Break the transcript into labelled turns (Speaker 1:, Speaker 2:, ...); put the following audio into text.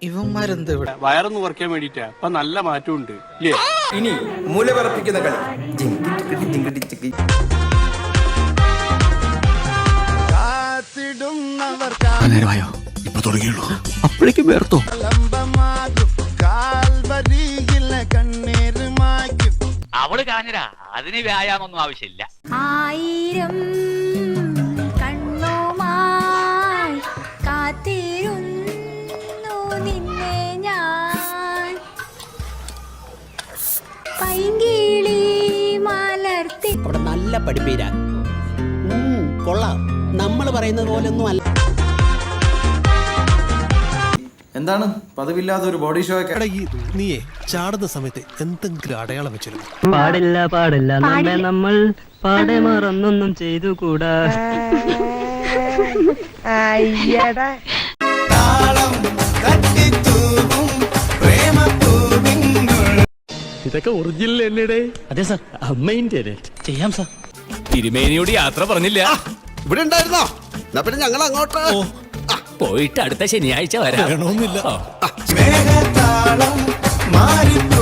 Speaker 1: ഇവന്മാരെന്ത് ഇവിടെ
Speaker 2: വയറൊന്ന് കുറയ്ക്കാൻ വേണ്ടിട്ടാ അപ്പൊ നല്ല മാറ്റമുണ്ട് ഇല്ലേ?
Speaker 3: ഇനി മൂലപറപ്പിക്കുന്ന കളി. ജിങ്കിടിച്ചിക്കി.
Speaker 4: നേരമായോ? ഇപ്പൊ തുടങ്ങിയുള്ളൂ. അപ്പോഴേക്കും വേർത്തോ?
Speaker 5: അവള് കാഞ്ഞരാ, അതിന് വ്യായാമൊന്നും ആവശ്യമില്ല.
Speaker 6: 1000 കണ്ണുമായി കാത്തിരുന്നു നിന്നെ ഞാൻ, പൈങ്കിളി മലർത്തി.
Speaker 7: അവിടെ നല്ല പഠിപ്പീരാ. കൊള്ളാം. നമ്മൾ പറയുന്നത് പോലൊന്നും അല്ല.
Speaker 3: എന്താണ് പതിവില്ലാത്ത ഒരു ബോഡി ഷോ ഒക്കെ?
Speaker 4: നീയേ ചാടുന്ന സമയത്ത് എന്തെങ്കിലും അടയാളം വെച്ചിരുന്നു?
Speaker 8: പാടില്ല പാടില്ല നമ്മെ നമ്മൾ പാടെ മറന്നൊന്നും ചെയ്തുകൂടാ.
Speaker 4: ഇതൊക്കെ ഒറിജിനൽ എന്നടേ?
Speaker 8: അതെ സാർ, അമ്മേന്റെ ചെയ്യാം സാർ.
Speaker 5: തിരുമേനിയോട് യാത്ര പറഞ്ഞില്ല.
Speaker 4: ഇവിടെ ഉണ്ടായിരുന്നോ? എന്നാ പിന്നെ ഞങ്ങൾ അങ്ങോട്ട്
Speaker 5: പോയിട്ട് അടുത്ത ശനിയാഴ്ച വരാം.
Speaker 4: വേണമെന്നില്ല.
Speaker 3: മേഘത്താളം മാറി